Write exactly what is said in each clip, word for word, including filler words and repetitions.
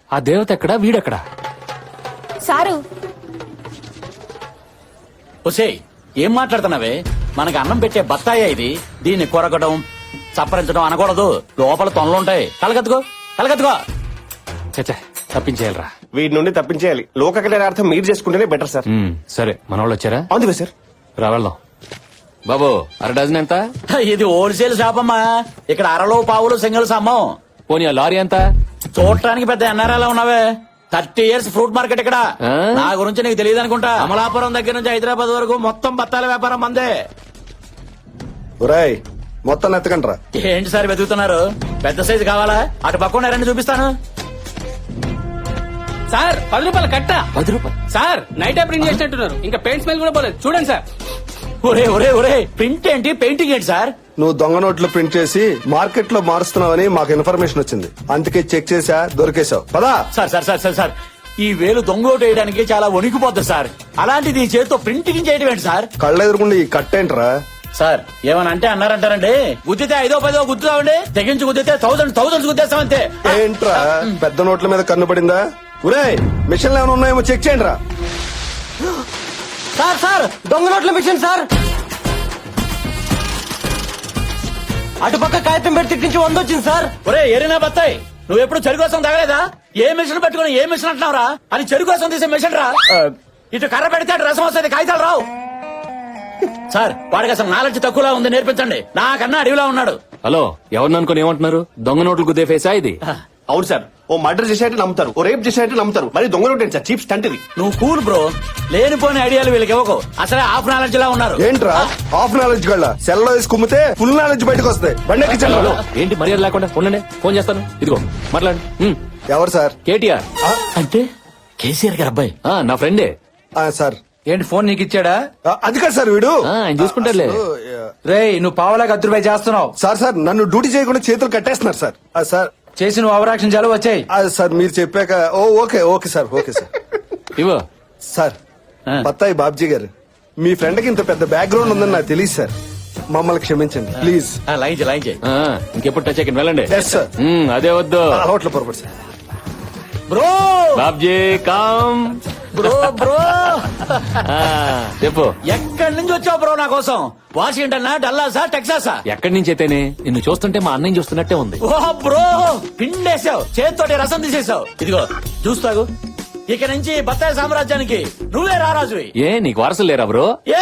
ఆ దేవత ఎక్కడా వీడెక్కడా? సారు ఒసే ఏం మాట్లాడుతున్నావే? మనకి అన్నం పెట్టే బత్తాయే ఇది. దీన్ని కొరకడం చప్పరించడం అనకూడదు. లోపల తొనలుంటాయి. కలగత్తుకో కలగత్తుకో. చచ్చా తప్పించేయాలరా. వీటి నుండి తప్పించేయాలి. లోక కళ్యాణార్థం మీరు చేసుకుంటేనే బెటర్ సార్. ఉమ్, సరే మన వాళ్ళు వచ్చారా? అవును సార్. రా వెళ్దాం. బాబు అర డజన్ ఎంత? ఇది హోల్సేల్ షాప్ అమ్మా. ఇక్కడ అరలో పావులు సింగిల్స్ అమ్మం. పోనీ ఆ లారీ ఎంత? చూడటానికి పెద్ద ఎన్ఆర్ఐలా ఉన్నావే. థర్టీ ఇయర్స్ ఫ్రూట్ మార్కెట్ ఇక్కడ. ఆ? నా గురించి నీకు తెలియదు అనుకుంటా. అమలాపురం దగ్గర నుంచి హైదరాబాద్ వరకు మొత్తం బత్తాల వ్యాపారం మందే. ఒరేయ్ మొత్తం ఎత్తకండ్రా. ఏంటి సార్ వెతుకుతున్నారు? పెద్ద సైజు కావాలా? అటు పక్కన రండి చూపిస్తాను. సార్ పది రూపాయలు కట్ట. పది రూపాయలు సార్ నైట్ ప్రింట్ చేసినట్టున్నారు. ఇంకా పెయింట్ స్మెల్ కూడా పోలేదు. చూడండి సార్. ఒరే ఒరే ఒరే ప్రింట్ ఏంటి పెయింటింగ్ ఏంటి సార్? నువ్వు దొంగ నోట్లు ప్రింట్ చేసి మార్కెట్ లో మారుస్తున్నావని మాకు ఇన్ఫర్మేషన్ వచ్చింది. అందుకే చెక్ చేసా, దొరికేశావు. పదా. Sir sir sir sir sir ఈ వేలు దొంగోటు వేయడానికి చాలా వణికిపోతుంది సార్. అలాంటిది ఈ చేతితో ప్రింటింగ్ చేయడం ఏంటి సార్? కళ్ళెదురుకుండా ఈ కట్టేంట్రా? సార్ ఏమని అంటే అన్నారంటారండి. గుద్దితే ఐదో పదో గుద్దుతామండి. తెగించి గుద్దితే థౌసండ్ థౌసండ్ గుద్దేస్తామంతే. ఏంట్రా పెద్ద నోట్ల మీద కన్ను పడిందా? ఒరే మిషన్లు ఏమైనా ఉన్నాయేమో చెక్ చేయండి రా. సార్ సార్ దొంగ నోట్ల మిషన్ సార్. అటుపక్క కాగితం పెట్టి తిట్టించి వంద వచ్చింది సార్. ఒరే ఎరినా బత్తాయి, నువ్వు ఎప్పుడు చెరుకు కోసం తగలేదా? ఏ మిషన్ పెట్టుకుని ఏ మిషన్ అంటున్నావురా? అని చెరుకు కోసం తీసే మిషన్ రా. ఇటు కర్ర పెడితే అటు రసం వస్తుంది, కాగితాలు రావు. సార్ వాడికి అసలు నాలెడ్జ్ తక్కువలా ఉంది, నేర్పించండి. నాకన్నా అడవిలా ఉన్నాడు. హలో ఎవరిని అనుకుని ఏమంటున్నారు? దొంగ నోట్లు గుద్దే ఫేసా ఇది? అవును సార్. ఓ మర్డర్ చేసేట్టు నమ్ముతారు, ఓ రేప్ చేసేట్టు నమ్ముతారు. మరి దొంగ నోట్ సార్ చీప్ స్టంట్ ఇది. నువ్వు కూల్ బ్రో. లేనిపోని ఐడియాలు వీళ్ళకి ఇవ్వకు. అసలే హాఫ్ నాలెడ్జ్ లా ఉన్నారు. ఏంట్రా హాఫ్ నాలెడ్జ్ గళ్ళ సెల్లో వేసి కుమ్మితే ఫుల్ నాలెడ్జ్ బయటకు వస్తాయి. బండి ఎక్కించండి. హలో ఏంటి మర్యాద లేకుండా? ఉండండి ఫోన్ చేస్తాను. ఇదిగో మాట్లాడు. ఉమ్, ఎవరు సార్? కేటీఆర్. అంటే కేసీఆర్ గారు అబ్బాయి. ఆ, నా ఫ్రెండే. ఆ, సార్ ఏంటి ఫోన్ నీకు ఇచ్చాడా? ఆ, అది కాదు సార్ వీడు. ఆ, ఆయన చూసుకుంటారులే. అసలు, ఆ, రేయ్ నువ్వు పావలాగా అద్దరు రూపాయి చేస్తున్నావు. సార్ సార్ నన్ను డ్యూటీ చేయకుండా చేతులు కట్టేస్తున్నారు సార్. ఆ, సార్ చేసి నువ్వు అవరాక్షన్ చాలు వచ్చాయి. ఆ, సార్ మీరు చెప్పాక oh okay okay sir okay sir. ఇవో సార్ ఆ. బత్తాయి బాబ్జీ గారు, మీ ఫ్రెండ్ కి ఇంత పెద్ద బ్యాక్గ్రౌండ్ ఉందని నాకు తెలియదు సార్. మమ్మల్ని క్షమించండి ప్లీజ్. లైన్ చేయి, లైన్ చేయి. ఆ, ఇంకెప్పుడు టచ్ అయ్యి వెళ్ళండి. Yes sir. ఉమ్, అదే వద్దు. అలవాట్లో పొరపాటు సార్. బ్రో బాబ్జీ కామ్. బ్రో బ్రో ఆ, చెప్పు. ఎక్కడి నుంచి వచ్చావు బ్రో నా కోసం? వాషింగ్టన్ డల్లాసా టెక్సాసా? ఎక్కడి నుంచి అయితేనే నిన్ను చూస్తుంటే మా అన్నయ్య చూస్తున్నట్టే ఉంది. ఓ బ్రో పిండేసావు, చేతితోటి రసం తీసేసావు. ఇదిగో చూస్తాగు. ఇక నుంచి బత్తాయి సామ్రాజ్యానికి నువ్వే రారాజువి. ఏ నీకు వారసులు లేరా బ్రో? ఏ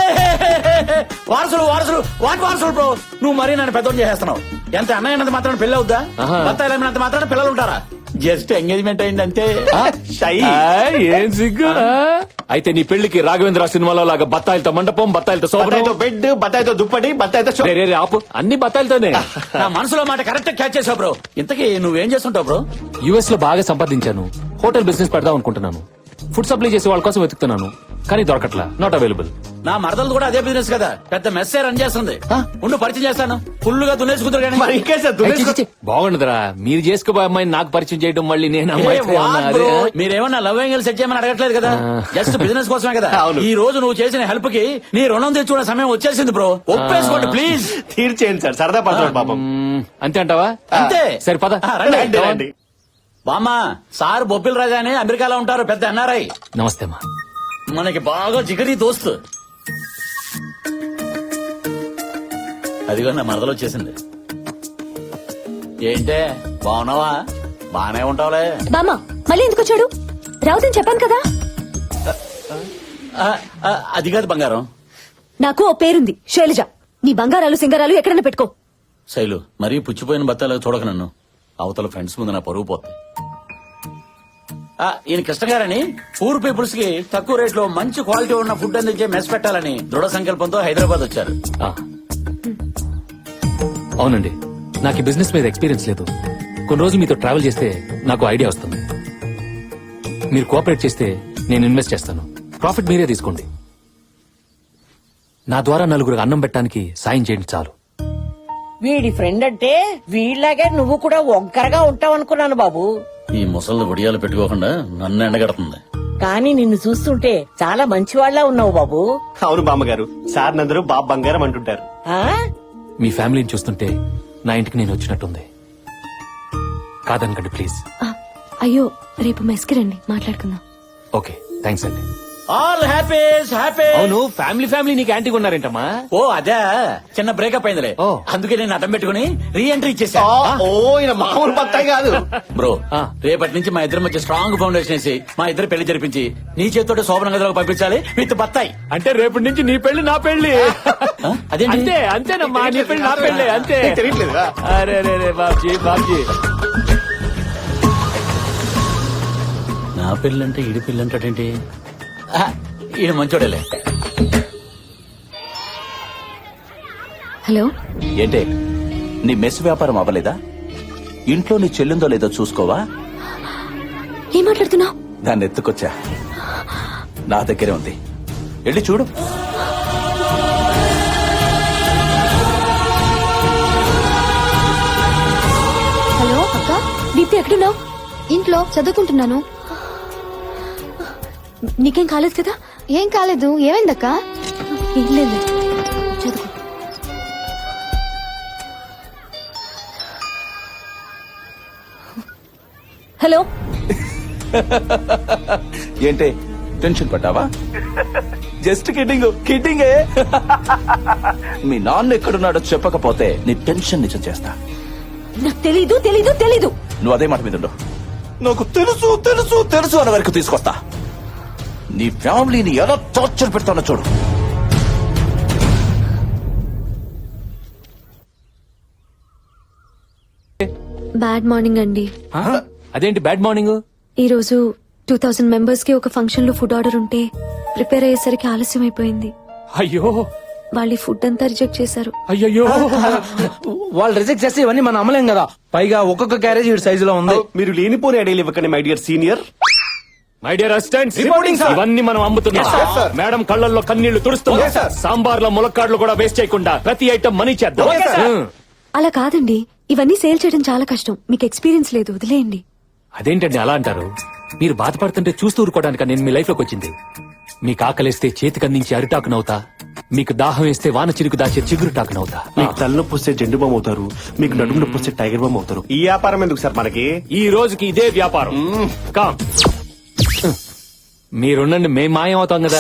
వారసులు వారసులు వాటి వారసులు బ్రో. నువ్వు మరీ నన్ను పెద్దోని చేసేస్తున్నావు. ఎంత అన్నయ్యనంత మాత్రం పెళ్లి అవుద్దా? ఆహా. బత్తాయిలు ఏమైనంత మాత్రం పిల్లలు ఉంటారా? జస్ట్ ఎంగేజ్మెంట్ అయిందంటే. షై. ఆ, ఏం సిగ్గు. ఆ, అయితే నీ పెళ్లికి రాఘవేంద్ర సినిమాలో లాగా బత్తాయిలతో మండపం, బత్తాయిలతో బత్తాయితో సోపడం. బెడ్, బత్తాయితో దుప్పటి, బత్తాయితో షో- రే, రే, రే, ఆపు. అన్ని బత్తాయిలతోనే. నా మనసులో మాట కరెక్ట్ క్యాచ్ చేసావు బ్రో. ఇంతకీ నువ్వేం చేస్తుంటావు బ్రో? యుఎస్ లో బాగా సంపాదించాను. హోటల్ బిజినెస్ పెడదాం అనుకుంటున్నాను. ఫుడ్ సప్లై చేసే వాళ్ళ కోసం వెతుకుతున్నాను, కానీ దొరకట్లా. Not available. నా మరదలు కూడా అదే బిజినెస్ కదా, పెద్ద మెస్సే రన్ చేస్తుంది. ఉండు పరిచయం చేస్తాను. ఫుల్ గా దున్నేసుకుంటారు కానీ. మరి ఇంకే సార్ దున్నేసుకో- బాగుండదురా, మీరు చేసుకోబోయే అమ్మాయిని నాకు పరిచయం చేయడం, మళ్ళీ నేను అమ్మాయితో ఏ, ఏమన్నా వాట్ అదే? బ్రో? మీరేమన్నా లవ్ యాంగిల్ సెట్ చేయమని అడగట్లేదు కదా, ఆ. జస్ట్ బిజినెస్ కోసమే కదా. అవును. ఈ రోజు నువ్వు చేసిన హెల్ప్ కి నీ రుణం తెచ్చుకునే సమయం వచ్చేసింది బ్రో. ఒప్పేసుకోండి ప్లీజ్. తీర్చేయండి సార్, సరదా పడతాడు పాపం. మ్మ్, అంతే అంటావా? అంతే. సరే పద. ఆ, రండి. రండి, రండి. బామ్మా సార్ బొబ్బిల్ రాజా అని అమెరికాలో ఉంటారు, పెద్ద ఎన్ఆర్ఐ. నమస్తే అమ్మా. మనకి బాగా జిగరి దోస్తు. అదిగో నా మరదలు వచ్చేసింది. ఏంటే బాగున్నావా? బానే ఉంటావులే. బామ్మ మళ్ళీ ఎందుకు వచ్చాడు? రావుదని చెప్పాను కదా. ఆ, ఆ, అది కాదు బంగారం. నాకు ఓ పేరుంది, శైలజ. నీ బంగారాలు సింగారాలు ఎక్కడన్నా పెట్టుకో. శైలు మరీ పుచ్చిపోయిన బత్తాలు చూడక నన్ను. అవతల ఫ్రెండ్స్ ముందు నా పరుగు పోతుంది. ఆ, ఈయన కృష్ణ గారని పూర్ పీపుల్స్ కి తక్కువ రేట్ లో మంచి క్వాలిటీ ఉన్న ఫుడ్ అందించే మెస్ పెట్టాలని దృఢ సంకల్పంతో హైదరాబాద్ వచ్చారు. ఆ. అవునండి, నాకు ఈ బిజినెస్ మీద ఎక్స్పీరియన్స్ లేదు. కొన్ని రోజులు మీతో ట్రావెల్ చేస్తే నాకు ఐడియా వస్తుంది. మీరు కోఆపరేట్ చేస్తే నేను ఇన్వెస్ట్ చేస్తాను. ప్రాఫిట్ మీరే తీసుకోండి. నా ద్వారా నలుగురు అన్నం పెట్టడానికి సాయం చేయండి చాలు. వీడి ఫ్రెండ్ అంటే వీళ్ళలాగే నువ్వు కూడా ఒంకరగా ఉంటావు అనుకున్నాను బాబు. ఈ ముసళ్ళు ఒడియాలు పెట్టుకోకుండా నన్ను ఎండగడుతుంది. కానీ నిన్ను చూస్తుంటే చాలా మంచివాళ్లా ఉన్నావు బాబు. అవును బామ్మగారు, సార్ నందరూ బాబు బంగారం అంటుంటారు. ఆ మీ ఫ్యామిలీని చూస్తుంటే నా ఇంటికి నేను వచ్చినట్టుంది. కాదనకండి ప్లీజ్. ఆ, అయ్యో రేపు మెస్కి రండి మాట్లాడుకుందాం. ఓకే థ్యాంక్స్ అండి. All happies happy. అవును ఫ్యామిలీ ఫ్యామిలీ నీకు యాంటీగా ఉన్నారేంటమ్మా? ఓ అదే చిన్న బ్రేకప్ అయిందిలే. ఓ. అందుకే నేను అడ్డం పెట్టుకుని రీ ఎంట్రీ ఇచ్చేసా. ఆ, ఓ ఈయన మామూలు బత్తాయి కాదు. బ్రో ఆ. రేపటి నుంచి మా ఇద్దరి మధ్య స్ట్రాంగ్ ఫౌండేషన్ వేసి మా ఇద్దరు పెళ్లి జరిపించి నీ చేతితో శోభన గదిలోకి పంపించాలి విత్ బత్తాయి. అంటే రేపటి నుంచి నీ పెళ్లి నా పెళ్లి. ఆ? అదేంటి? అంతే అంతేనమ్మా, నీ పెళ్లి నా పెళ్లి అంతే. నీకు తెలియట్లేదా? అరే రే రే బాబ్జీ బాబ్జీ. నా పెళ్ళంటే ఈడి పెళ్ళి అంటాడేంటి? ఆ, ఈడు మంచోడలే. హలో ఏంటే నీ మెస్ వ్యాపారం అవ్వలేదా? ఇంట్లో నీ చెల్లిందో లేదో చూసుకోవా? ఏం మాట్లాడుతున్నావు? దాన్ని ఎత్తుకొచ్చా, నా దగ్గరే ఉంది, వెళ్ళి చూడు. హలో అక్క, దీప్తి ఎక్కడున్నావు? ఇంట్లో చదువుకుంటున్నాను. నీకేం కాలేదు కదా? ఏం కాలేదు. ఏమైందక్క? ఏం లేదు, చదువు. హలో ఏంటే టెన్షన్ పడ్డావా? Just kidding కిడ్డింగే. మీ నాన్న ఎక్కడున్నాడో చెప్పకపోతే నీ టెన్షన్ నిజం చేస్తా. నాకు తెలీదు తెలీదు తెలీదు. నువ్వు అదే మాట మీద ఉండు. నాకు తెలుసు తెలుసు తెలుసు అన్న వరకు తీసుకొస్తా. నీ ఫ్యామిలీని ఎలా టార్చర్ పెడతానో చూడు. బ్యాడ్ మార్నింగ్ అండి. ఆ? అదేంటి బ్యాడ్ మార్నింగ్? ఈ రోజు టూ థౌసండ్ మెంబర్స్ కి ఒక ఫంక్షన్ లో ఫుడ్ ఆర్డర్ ఉంటే ప్రిపేర్ అయ్యేసరికి ఆలస్యం అయిపోయింది. అయ్యో వాళ్ళు ఈ ఫుడ్ అంతా రిజెక్ట్ చేశారు. అయ్యయ్యో. వాళ్ళు రిజెక్ట్ చేస్తే ఇవన్నీ మనం అమ్మలేం కదా. పైగా ఒక్కొక్క క్యారేజ్ ఈ సైజులో ఉంది. మీరు లేనిపోని ఐడియాలు ఇవ్వకండి my dear senior. My dear assistants, Reporting, sir. ఇవన్నీ మనం అమ్ముతున్నాం. Yes, sir. మేడం కళ్ళల్లో కన్నీళ్లు తుడుస్తున్నాం. Yes, sir. సాంబార్ లో ములక్కాడ్లు కూడా వేస్ట్ చేయకుండా ప్రతి ఐటమ్ మనీ చేద్దాం. Okay, sir. ఉం. అలా కాదండి, ఇవన్నీ సేల్ చేయడం చాలా కష్టం. మీకు ఎక్స్పీరియన్స్ లేదు, వదిలేయండి. అదేంటండి అలా అంటారు? మీరు బాధపడుతుంటే చూస్తూ ఊరుకోవడానికి నేను మీ లైఫ్ లోకి వచ్చింది. మీకు ఆకలిస్తే చేతికి అందించి అరిటాకునవుతా, మీకు దాహం వేస్తే వాన చిరుకు దాచే చిగురుటాకునవుతా. మీకు తలనొప్పి వస్తే జెండు బామ్ అవుతారు, మీకు నడుము నొప్పి వస్తే టైగర్ బామ్ అవుతారు. ఈ వ్యాపారం ఎందుకు సార్ మనకి? ఈ రోజుకి ఇదే వ్యాపారం. కామ్. మీరుండండి, మేం మాయం అవుతాం కదా.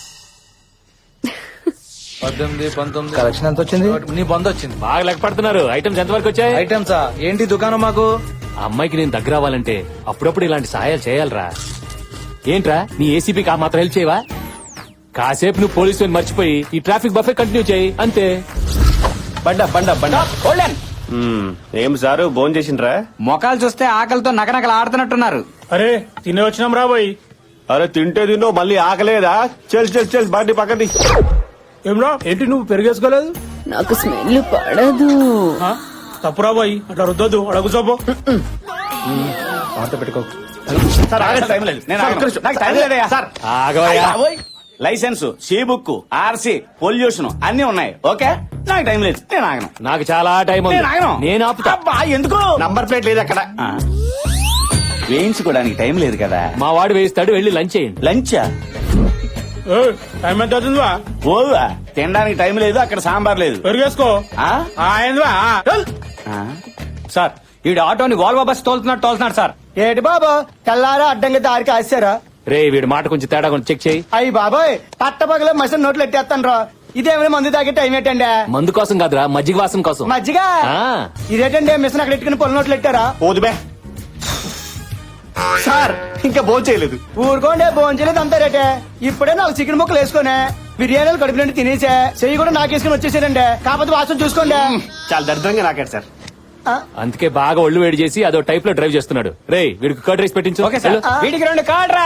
పద్దెనిమిది పంతొమ్మిది కలెక్షన్ ఎంత వచ్చింది? నీ బంద్ వచ్చింది. బాగా లెక్క పడుతున్నారు. ఐటమ్స్ ఎంత వరకు వచ్చాయి? ఐటమ్సా ఏంటి దుకాణం మాకు? ఆ అమ్మాయికి నేను దగ్గర అవ్వాలంటే అప్పుడప్పుడు ఇలాంటి సహాయాలు చేయాలరా. ఏంట్రా నీ ఏసీపీకి ఆ మాత్రం హెల్ప్ చేయవా? కాసేపు నువ్వు పోలీసు మర్చిపోయి ఈ ట్రాఫిక్ బఫే కంటిన్యూ చేయి అంతే. బండ బండ బండ మ్మ్. ఏం సారు భోజనం చేసిండ్రా? మొఖాలు చూస్తే ఆకలితో నకనకలు ఆడుతున్నట్టున్నారు. అరే తినే వచ్చినాం రాబోయ్. అరే తింటే తిన్నో మళ్ళీ ఆకలేదా? చెల్ చెల్ చెల్ బండి పక్కది. ఏమ్రా ఏంటి నువ్వు పెరిగేసుకోలేదు? నాకు స్మెల్ పడదు. తప్పురా బాయ్, అట్లా రుద్దొద్దు, అడుగు చూపు. సార్ ఆగండి, టైం లేదు. నేను సార్, ఆగను. ఒక్క నిమిషం. నాకు టైం లేదయ్యా. సార్ ఆగవయ్యా. Licence, C book, RC, pollution అన్ని ఉన్నాయి. ఓకే నాకు టైం లేదు, నేను ఆగను. నాకు చాలా టైం ఉంది. నేను ఆగను. నేను ఆపుతా. అబ్బా, ఎందుకు? నంబర్ ప్లేట్ లేదు అక్కడ. ఆ, వేయించుకోవడానికి టైం లేదు కదా. మా వాడు వేయిస్తాడు, వెళ్ళి లంచ్ చేయండి. లంచా? టైం ఎంత అవుతుందివా? ఓవా తినడానికి టైం లేదు, అక్కడ సాంబార్ లేదు. పెరిగేసుకో. ఆ? ఏందివా? ఆ? సార్ ఈ ఆటోని వాల్వో బస్ తోలుతున్నాడు తోలుతున్నాడు సార్. ఏటి బాబా తెల్లారా అడ్డంగా దారికి ఆశారా? రే వీడి మాట కొంచెం తేడా కొంచెం చెక్ చేయి. అయ్యి బాబాయ్ పట్టపగల మసిన నోట్లు ఎట్టేస్తాను రా. ఇదేమైనా మందు తాగే టైం ఏంటండి? మందు కోసం కాదురా, మజ్జిగ వాసం కోసం. మజ్జిగ ఆ. ఇదేటండి మిషన్ అక్కడ ఎట్టుకుని పొల నోట్లు ఎట్టారా? పోదు బే. సార్ ఇంకా భోజనం చేయలేదు. ఊరుకోండి భోంచలేదు అంతా రేటే. ఇప్పుడే నాలుగు చికెన్ ముక్కలు వేసుకునే బిర్యానీలు కడుపు నుండి తినేసా, చెయ్యి కూడా నాకేసుకుని వచ్చేసానండి. కాకపోతే వాసన చూసుకోండి. చాలా దరిద్రంగా నాకాడు సార్. అందుకే బాగా ఒళ్ళు వేడి చేసి అదో టైప్ లో డ్రైవ్ చేస్తున్నాడు. రే వీడికి కర్డ్ రైస్ పెట్టించు. Okay sir. వెళ్ళు. వీడికి రెండు కార్డ్ రా.